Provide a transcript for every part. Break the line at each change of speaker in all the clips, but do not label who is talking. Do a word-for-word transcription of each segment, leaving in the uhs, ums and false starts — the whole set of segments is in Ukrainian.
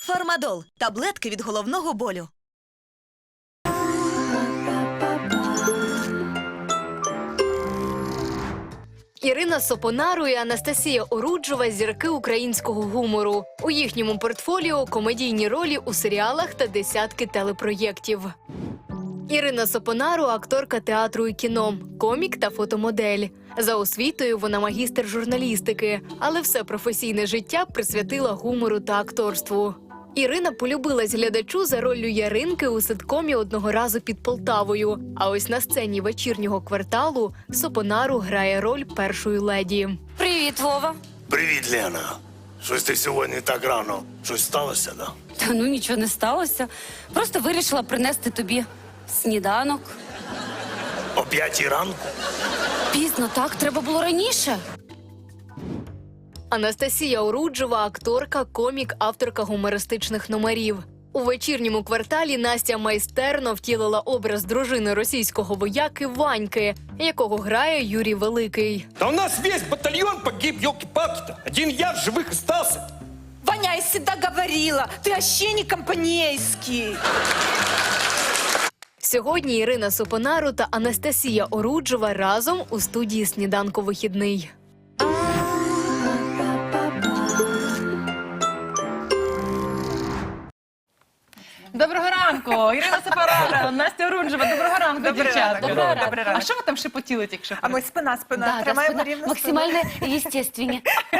Фармадол – таблетки від головного болю.
Ірина Сопонару і Анастасія Оруджова – зірки українського гумору. У їхньому портфоліо – комедійні ролі у серіалах та десятки телепроєктів. Ірина Сопонару – акторка театру і кіно, комік та фотомодель. За освітою вона магістр журналістики, але все професійне життя присвятила гумору та акторству. Ірина полюбилась глядачу за роллю Яринки у ситкомі «Одного разу під Полтавою». А ось на сцені «Вечірнього кварталу» Сопонару грає роль першої леді.
Привіт, Вова.
Привіт, Лена. Щось ти сьогодні так рано. Щось сталося, да?
Та ну нічого не сталося. Просто вирішила принести тобі сніданок.
О п'ятій ранку?
Пізно, так? Треба було раніше.
Анастасія Оруджова – акторка, комік, авторка гумористичних номерів. У «Вечірньому кварталі» Настя майстерно втілила образ дружини російського вояки Ваньки, якого грає Юрій Великий.
Да у нас весь батальон погиб, елки-палки-то. Один я в живых остался.
Ваня, я всегда говорила, ты вообще не компанейский.
Сьогодні Ірина Сопонару та Анастасія Оруджова разом у студії «Сніданку вихідний».
Доброго ранку, Ірина Сопонару, Настя Оруджова. Доброго ранку, дівчата.
Доброго ранку. Доброго ранку.
А що ви там шепотіли тільки що?
А ми спина, спина.
Да, да,
Тримаємо
спина.
рівно
Максимально естественні.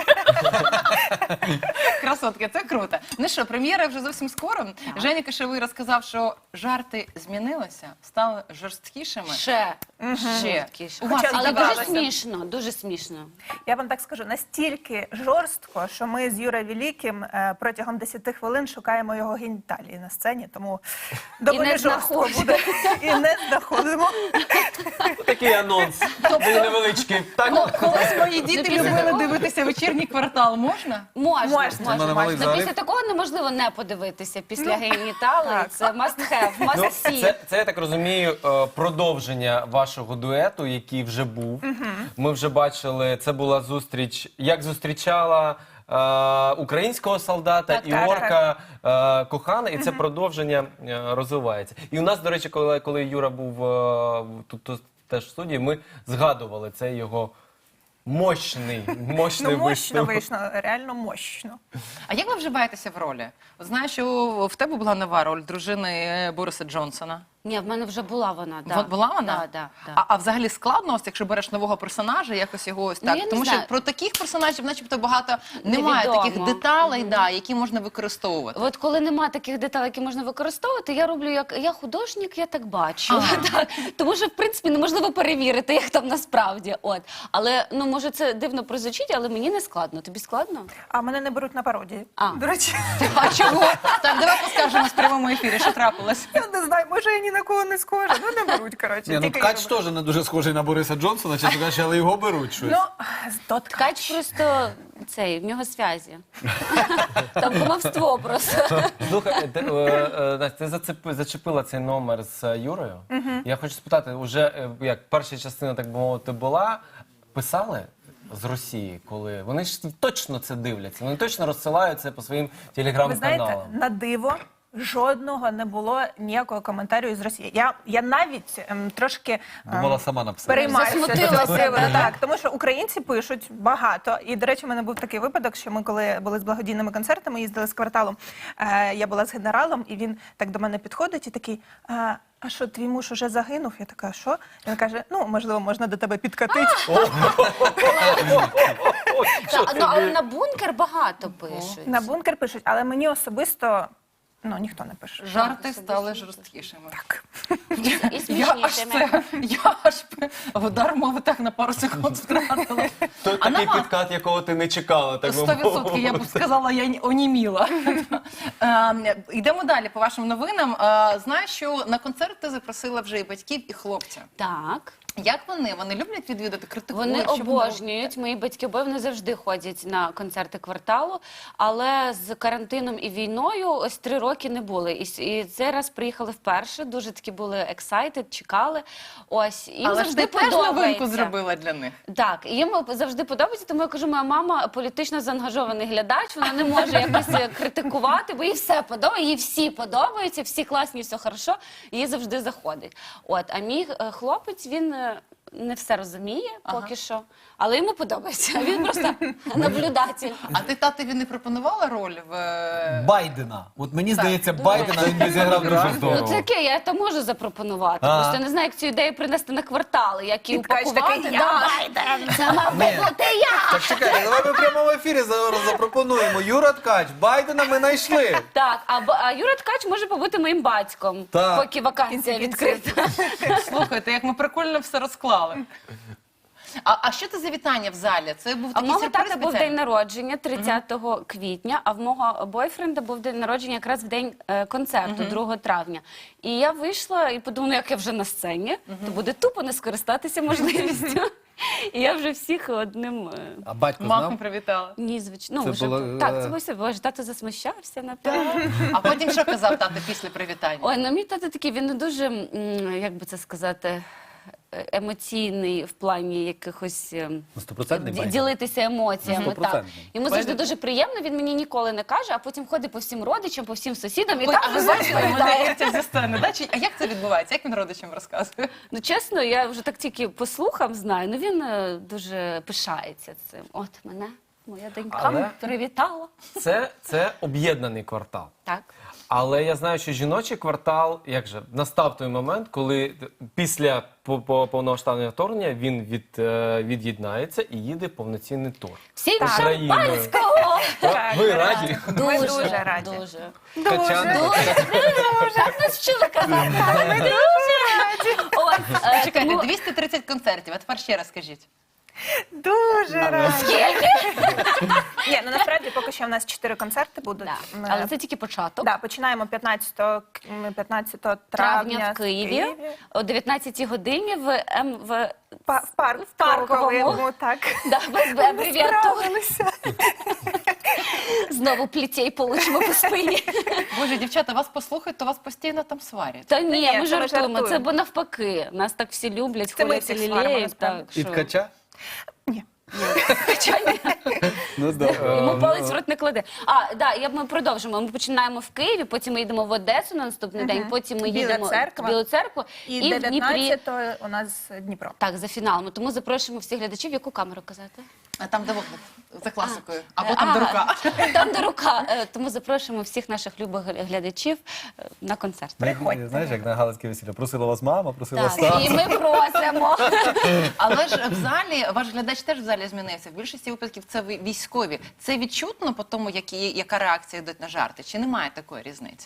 Красотки, це круто. Ну що, прем'єра вже зовсім скоро. Женя Кишевий розказав, що жарти змінилися, стали жорсткішими.
Ще.
Ще.
Жорсткіше.
У вас
Але
здавалося.
дуже смішно, дуже смішно.
Я вам так скажу, настільки жорстко, що ми з Юрою Великим е, протягом десяти хвилин шукаємо його геніталії на сцені, тому доволі
не
жорстко
знаходимо.
буде. І не знаходимо.
Такий анонс. Такий невеличкий. Так?
Ну, колись мої діти
після
любили
такого-
дивитися «Вечірній квартал». Можна?
Можна,
Можна.
можна.
мене малий
Ну,
залив.
після такого неможливо не подивитися. Після геніталії
так.
це must have, must
Ну,
see.
це, це, я так розумію, е, продовження вашого дуету, який вже був. Ми вже бачили, це була зустріч, як зустрічала е, українського солдата
Так,
і
так,
орка е, кохана, і це продовження е, розвивається. І у нас, до речі, коли, коли Юра був е, тут, тут теж в студії, ми згадували цей його мощний, мощний
Ну, мощно
виступ.
вийшло, реально мощно.
А як ви вживаєтеся в ролі? От знаю, що в тебе була нова роль дружини Бориса Джонсона.
Ні, в мене вже була вона. Да.
От була вона?
Да, да, да.
А, а взагалі складно, ось, якщо береш нового персонажа, якось його ось
Ну,
так?
я не
Тому
знаю.
що про таких персонажів начебто багато немає
Невідомо.
таких деталей, да, які можна використовувати.
От коли нема таких деталей, які можна використовувати, я роблю як я художник, я так бачу.
Ага.
Так. Тому що в принципі неможливо перевірити, як там насправді. От, але ну може це дивно прозвучить, але мені не складно. Тобі складно?
А мене не беруть на пародії.
А.
До речі,
А чого? Так, давай поскаржимо в прямому ефірі, що трапилось.
я не знаю, може я ні на кого не схожа. Ну не беруть, коротше.
Ні, ну
тільки
Ткач
Юру.
теж не дуже схожий на Бориса Джонсона, чесно кажучи, але його беруть щось.
Ну, то
Ткач просто цей, в нього зв'язі. Там кумовство просто.
Слухай, ти, е, е, Настя, ти зацепи- зачепила цей номер з е, Юрою. Я хочу спитати, уже е, як перша частина, так би мовити, була, писали з Росії, коли вони ж точно це дивляться, вони точно розсилають це по своїм
ви знаєте,
телеграм-каналам.
на диво жодного не було ніякого коментарю із Росії. Я, я навіть ем, трошки ем,
Думала сама написати.
переймаюся з
Засмутилася,
цього приводу.
так.
Так, тому що українці пишуть багато. І, до речі, в мене був такий випадок, що ми, коли були з благодійними концертами, їздили з кварталом, е, я була з генералом, і він так до мене підходить і такий... Е, а що, твій муж уже загинув? Я така, що? Він каже, ну, можливо, можна до тебе підкатити.
Та, ну, але на бункер багато пишуть.
На бункер пишуть, але мені особисто, ну, ніхто не пише.
Жарти стали жорсткішими.
Так.
І
Я аж
смішнішими.
це, я аж удар мови так на пару секунд втратила.
То
А
такий
нема.
підкат, якого ти не чекала, так би
Сто відсотків, я б
мовити.
сказала, я ні- оніміла. Е, Йдемо далі по вашим новинам. Е, Знаю, що на концерт ти запросила вже і батьків, і хлопця.
Так.
Як вони? Вони люблять відвідати, критикують?
Вони
Що
обожнюють, мої батьки обоє, вони завжди ходять на концерти кварталу, але з карантином і війною ось три роки не були. І, с- і цей раз приїхали вперше, дуже такі були excited, чекали. Ось, їм
Але ж
завжди
ти теж новинку
подобається.
зробила для них.
Так, і їм завжди подобається, тому я кажу, моя мама політично заангажований глядач, вона не може якось е, критикувати, бо їй все подобається, їй всі подобаються, всі класні, все хорошо, і їй завжди заходить. От, а мій е, хлопець, він е, не все розуміє поки що, але йому подобається, він просто наблюдатель.
А ти татові не пропонувала роль в... е,
Байдена. От мені здається, Байдена він би зіграв дуже
Ну
здорово.
таке, я то можу запропонувати,
А.
просто я не знаю, як цю ідею принести на квартали, як її
І ткач
упакувати.
такий,
Да.
«Я Байден».
Це мав би бути я!
Так чекай, давай ми в прямому ефірі зараз запропонуємо. Юра Ткач, Байдена ми знайшли.
Так, а, Б- а Юра Ткач може побути моїм батьком,
Так.
поки вакансія відкрита.
Слухайте, як ми прикольно все розклали. А, а що це за вітання в залі? Це був
А в
такий
мого
сюрприз
тата був
спеціальний?
день народження тридцятого квітня, а в мого бойфренда був день народження якраз в день е, концерту, другого травня. І я вийшла і подумала, ну, як я вже на сцені, то буде тупо не скористатися можливістю. І я вже всіх одним... е,
А батько
Махом
знав?
привітала.
Ні, звичайно.
Це
Ну, вже,
було,
так,
е,
це було все. Боже, тато засмущався, напевно.
А потім що казав тато після привітання?
Ой, ну мій тато такий, він не дуже, м, як би це сказати, е, емоційний в плані якихось ем,
Ну, стопроцентний
ді-
Байден.
ділитися емоціями.
Ну,
Так.
стопроцентний.
Йому завжди дуже приємно, він мені ніколи не каже, а потім ходить по всім родичам, по всім сусідам і
Ой,
там
а ви
вже
бачили мене
розповідає.
Ірця зі сцени, да? Чи- А як це відбувається? Як він родичам розказує?
Ну чесно, я вже так тільки по слухам знаю, ну він е, дуже пишається цим. От мене моя донька
Але-
привітала.
Це, це об'єднаний квартал.
Так.
Але я знаю, що жіночий квартал, як же, настав той момент, коли після по- по- повномасштабного вторгнення він від, е, від'єднається і їде повноцінний тур.
Всім
Україною.
шампанського!
Ви раді?
Ми дуже раді.
Дуже.
Качан?
Дуже, дуже. Нас вчили казати. Ми дуже раді. От, е,
Чекайте,
тому-
двісті тридцять концертів, а тепер ще раз скажіть.
Дуже раді. Ні, ну насправді поки що в нас чотири концерти будуть.
Да.
Ми-
Але це тільки початок.
Да, починаємо п'ятнадцятого, к- м, п'ятнадцятого
Травня
травня
в Києві о дев'ятнадцятій годині в М в
Па- в парк
в парковому.
так.
да, без абревіатур.
Справилися.
Знову плітей получимо по спині.
Боже, дівчата, вас послухають, то вас постійно там сварять.
Та ні,
ні,
ми
це ми
жартуємо. Це
жартуємо.
бо навпаки. Нас так всі люблять,
Це ми
хвалять
всіх
і
сваримо,
лілеють.
насправді.
Так,
І
що...
Ткача?
Ні.
Хоча ні.
Ну, добре.
Йому палець в рот не кладе. А, да, я, ми продовжимо. Ми починаємо в Києві, потім ми їдемо в Одесу на наступний день, потім ми
Біла
їдемо
Церква.
в Білу церкву
І,
і, в Дніпрі.
дев'ятнадцятого у нас Дніпро.
Так, за фіналом. Тому запрошуємо всіх глядачів. Яку камеру казати?
А там, де вогник, за класикою. Або
Е,
там,
а,
де рука.
Там, де рука. Е, Тому запрошуємо всіх наших любих глядачів е, на концерт.
Приходьте.
Знаєш, як на Галицьке весілля. Просила вас мама, просила
Так,
Стас.
і ми просимо.
Але ж в залі, ваш глядач теж в залі змінився. В більшості випадків це ви- військові. Це відчутно по тому, які, яка реакція йде на жарти? Чи немає такої різниці?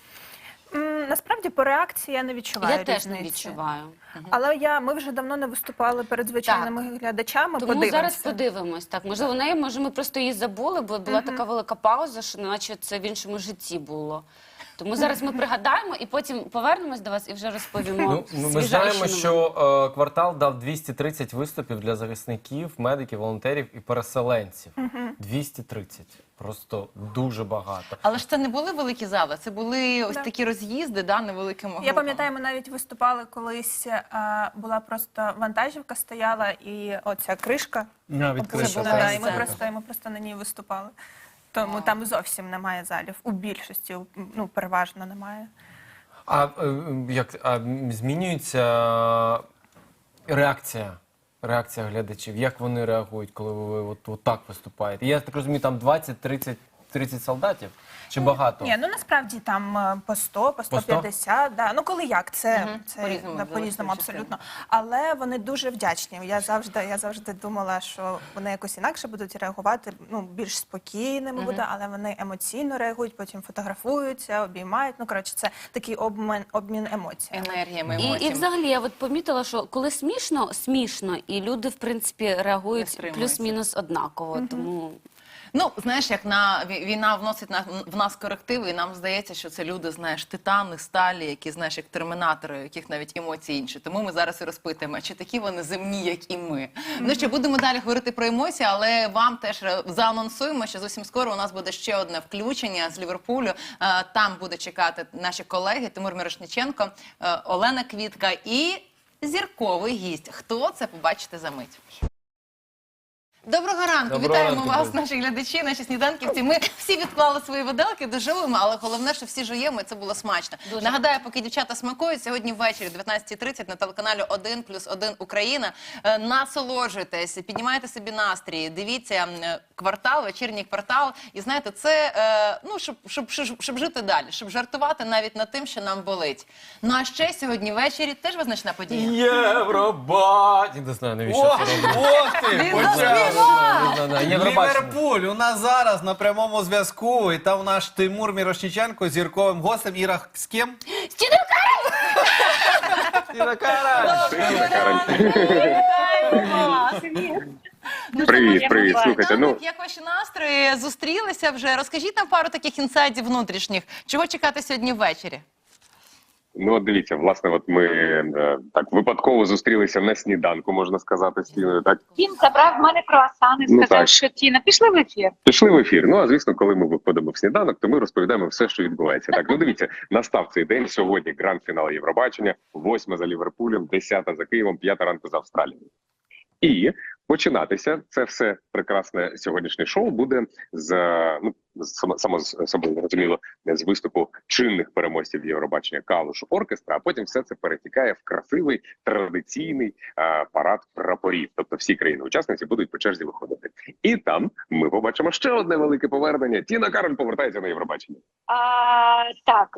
М, Насправді по реакції я не відчуваю
Я теж не
різниці.
відчуваю.
Але я, ми вже давно не виступали перед звичайними глядачами.
Тому
подивимося.
зараз подивимось. Так, можливо, неї, може, ми просто її забули, бо була така велика пауза, що наче це в іншому житті було. Тому зараз ми пригадаємо і потім повернемось до вас і вже розповімо.
Ну, ну, ми
свіжайші
знаємо,
новини.
що е, квартал дав двісті тридцять виступів для захисників, медиків, волонтерів і переселенців. двісті тридцять. Просто дуже багато.
Але ж це не були великі зали, це були ось
Да.
такі роз'їзди, да, невеликими групами.
Я пам'ятаю, ми навіть виступали колись, а, була просто вантажівка стояла і оця кришка.
А, від
опущена,
кришки,
да,
так.
і ми просто, і ми просто на ній виступали. Тому там зовсім немає залів. У більшості, ну, переважно немає.
А е, як а, м, змінюється реакція? Реакція глядачів, як вони реагують, коли ви от, от так виступаєте? Я так розумію, там двадцять тридцять тридцять солдатів чи багато?
Ні, ну насправді там е, по сто, по сто п'ятдесят, да. Ну коли як, це,
Мгм.
це
По-різному,
да,
в
по-різному
залежності від
абсолютно. Але вони дуже вдячні. Я завжди, я завжди думала, що вони якось інакше будуть реагувати, ну більш спокійними буде, але вони емоційно реагують, потім фотографуються, обіймають. Ну коротше, це такий обмін, обмін емоціями.
енергіями,
І, і
емоціями.
взагалі, я от помітила, що коли смішно, смішно, і люди, в принципі,
Не
реагують
стримуються.
плюс-мінус однаково. Тому
Ну, знаєш, як на ві- війна вносить на в нас корективи, і нам здається, що це люди, знаєш, титани, сталі, які, знаєш, як термінатори, у яких навіть емоції інші. Тому ми зараз і розпитуємо, чи такі вони земні, як і ми. Ну що, будемо далі говорити про емоції, але вам теж е, заанонсуємо, що зовсім скоро у нас буде ще одне включення з Ліверпулю. Е, Там буде чекати наші колеги Тимур Мірошниченко, е, Олена Квітка і зірковий гість. Хто це, побачите за мить. Доброго ранку,
Доброго
вітаємо
ранку,
вас,
друзі.
наші глядачі, наші сніданківці. Ми всі відклали свої виделки, доживемо, але головне, що всі жуємо, і це було смачно.
Дуже.
Нагадаю, поки дівчата смакують, сьогодні ввечері, дев'ятнадцята тридцять, на телеканалі один плюс один Україна. Е, Насолоджуйтесь, піднімайте собі настрій, дивіться е, квартал, вечірній квартал. І знаєте, це, е, ну, щоб, щоб, щоб, щоб жити далі, щоб жартувати навіть над тим, що нам болить. Ну, а ще сьогодні ввечері теж визначна подія.
Євробачення. Не знаю, навіщо
Ох,
це робити.
ох ти!
Він
почав.
заспівав!
Не знаю, Євробачення.
Ліверпуль у нас зараз на прямому зв'язку, і там наш Тимур Мірошниченко з зірковим гостем. Іра, з ким? Іра Карась!
Привіт, привіт. Слухайте, ну
Як, як ваші настрої? Зустрілися вже? Розкажіть нам пару таких інсайдів внутрішніх. Чого чекати сьогодні ввечері?
ну от дивіться, власне, от ми е, так випадково зустрілися на сніданку, можна сказати, з Тіною. Так
Він забрав в мене круасани,
Ну,
сказав,
так.
що Тіна, пішли в ефір.
пішли в ефір. Ну а звісно, коли ми виходимо в сніданок, то ми розповідаємо все, що відбувається. Так, ну дивіться, настав цей день. Сьогодні гранд-фінал Євробачення, восьма за Ліверпулем, десята за Києвом, п'ята ранку за Австралією. І починатися це все прекрасне сьогоднішнє шоу буде з ну само, само з собою зрозуміло з виступу чинних переможців Євробачення Калуш оркестра. А потім все це перетікає в красивий традиційний а, парад прапорів. Тобто всі країни-учасниці будуть по черзі виходити. І там ми побачимо ще одне велике повернення. Тіна Кароль повертається на Євробачення.
А, так.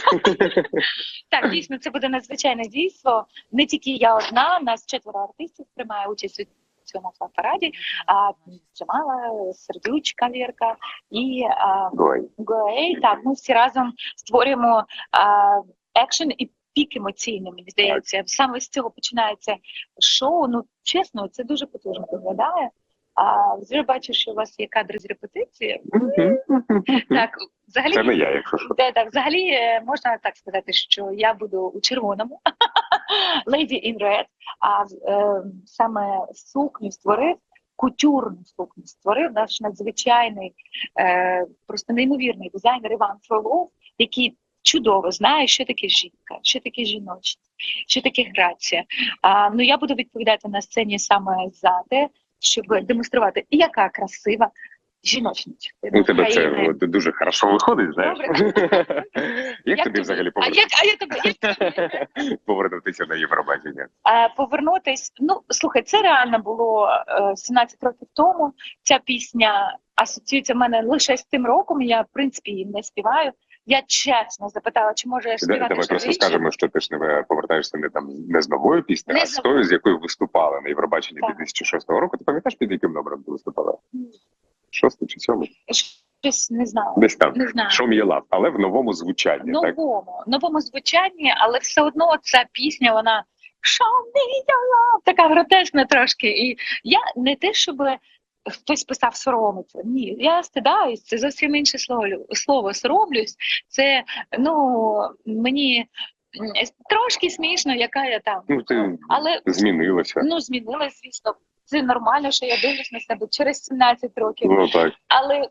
Так, дійсно, це буде надзвичайне дійство. Не тільки я одна, нас четверо артистів приймає участь у цьому параді. А, Джамала, Сердючка, Вірка і а,
Ой.
Гуей. Так, ми всі разом створюємо а, екшен і пік емоційний, мені здається. Саме з цього починається шоу. Ну, чесно, це дуже потужно виглядає. А вже бачу, що у вас є кадри з репетиції. Так, взагалі,
Це не я, якщо що.
да, так, взагалі е, можна так сказати, що я буду у червоному, Lady in Red, а е, саме сукню створив, кутюрну сукню створив наш надзвичайний, е, просто неймовірний дизайнер Іван Фролов, який чудово знає, що таке жінка, що таке жіночність, що таке грація. А, ну, я буду відповідати на сцені саме за те, щоб демонструвати, яка красива жіночність.
У тебе це
України.
от, дуже хорошо виходить, знаєш.
Добре.
Як
Як
тобі
тобі?
взагалі
А як, а я тобі, як тобі?
повернутися на Євробачення?
Е, повернутись. Ну, слухай, це реально було е, сімнадцять років тому. Ця пісня асоціюється в мене лише з тим роком. Я, в принципі, її не співаю. Я чесно запитала, чи може я співати
Давай
ще
просто
вище.
скажемо, що ти ж не повертаєшся не там не з новою піснею,
Не
а
з
з тою, з якою виступала на Євробаченні
Так.
дві тисячі шостого року. Ти пам'ятаєш, під яким номером ти виступала? Шостий чи сьомий?
Щось не знаю.
Десь там.
Не знаю.
Show me your love, але в новому звучанні, так?
Новому, новому звучанні, але все одно ця пісня, вона Show me your love, така гротесна трошки. І я не те, щоб хтось писав соромиться. Ні, я стидаюсь, це зовсім інше слово. Слово соромлюсь. Це, ну, мені м, трошки смішно, яка я там.
Ну, ти
Але
змінилася.
ну, змінилась, звісно. Це нормально, що я дивлюсь на себе через сімнадцять років.
Ну так.
Але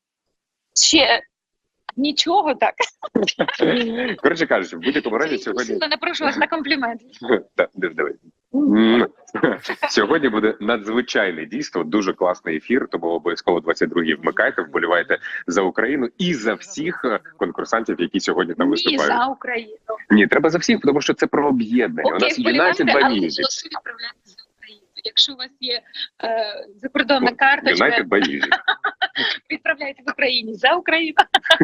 ще нічого так.
Коротше кажучи, в будь-якому разі сьогодні.
Сильно не прошу вас на комплімент.
Так, диви, диви. М. Сьогодні буде надзвичайне дійство, дуже класний ефір, тому обов'язково двадцять другій вмикайте, вболівайте за Україну і за всіх е, конкурсантів, які сьогодні там
Ні,
виступають.
за Україну.
Ні, треба за всіх, тому що це про об'єднання. У
Окей,
нас
вболівайте,
United by
але
Music.
голосу відправляйте за Україну. Якщо у вас є е, закордонна карточка,
United by Music.
відправляйте в Україні за Україну.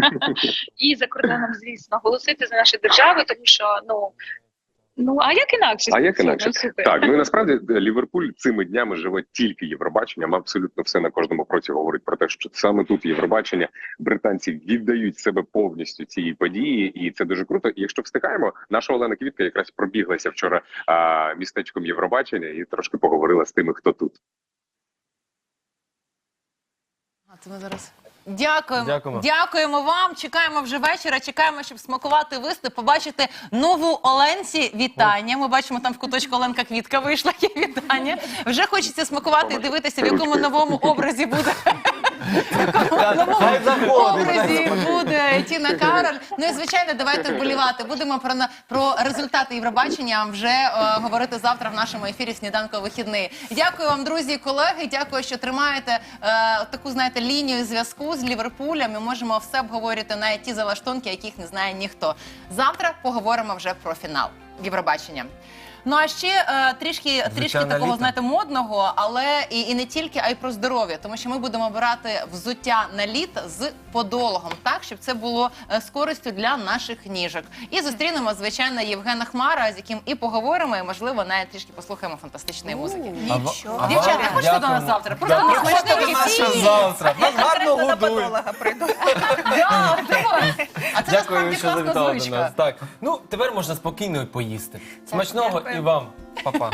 І за кордоном, звісно, голосити за нашу державу, тому що, ну, ну а як інакше?
А як
Слухай,
інакше?
ну, супер.
Так, ну і насправді Ліверпуль цими днями живе тільки Євробаченням. Абсолютно все на кожному кроці говорить про те, що саме тут Євробачення, британці віддають себе повністю цій події, і це дуже круто. І якщо встигаємо, наша Олена Квітка якраз пробіглася вчора а, містечком Євробачення і трошки поговорила з тими, хто тут.
А це ми зараз. Дякуємо.
Дякуємо.
Дякуємо вам. Чекаємо вже вечора. Чекаємо, щоб смакувати виступ, побачити нову Оленці. Вітання. Ми бачимо, там в куточку Оленка Квітка вийшла. Є вітання. Вже хочеться смакувати і дивитися, в якому новому образі буде. В якому новому образі буде Тіна Кароль. Ну і звичайно, давайте вболівати. Будемо про на- про результати Євробачення вже е, говорити завтра в нашому ефірі «Сніданку вихідний». Дякую вам, друзі і колеги. Дякую, що тримаєте е, таку, знаєте, лінію зв'язку з Ліверпулем. Ми можемо все обговорити, навіть ті залаштунки, яких не знає ніхто. Завтра поговоримо вже про фінал Євробачення. Ну а ще е, трішки, трішки такого,
літо.
знаєте, модного, але і, і не тільки, а й про здоров'я. Тому що ми будемо обирати взуття на літ з подологом, так, щоб це було е, з користю для наших ніжок. І зустрінемо, звичайно, Євгена Хмара, з яким і поговоримо, і, можливо, навіть трішки послухаємо фантастичної музики.
Нічого.
Дівчата, хочете до нас
Дякуємо.
завтра? Просто
Да,
ми
приходьте
хочемо
до нас
всі.
ще завтра. Нас гарно
Конкретно до
годують.
подолога прийду.
Да, давай. А це
Дякую,
насправді
що
класна
завітали до
звичка.
нас. Так, ну тепер можна спокійно і поїсти. Смачного і вам, па-па.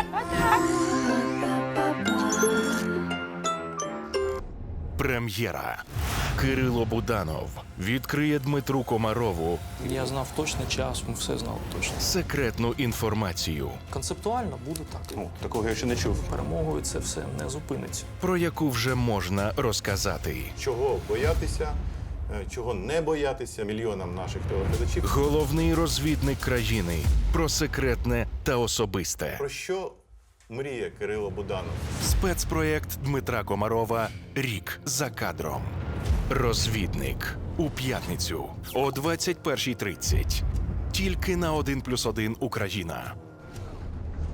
Прем'єра. Кирило Буданов відкриє Дмитру Комарову
Я знав точний час, ми все знали точно.
секретну інформацію,
Концептуально буде так.
Ну, такого я ще не чув.
Перемогою це все не зупиниться.
про яку вже можна розказати.
Чого боятися, е, чого не боятися мільйонам наших телеглядачів.
Головний розвідник країни про секретне та особисте.
Про що мріє Кирило Буданов?
Спецпроєкт Дмитра Комарова «Рік за кадром». Розвідник у п'ятницю о двадцять першій тридцять. Тільки на один плюс один Україна.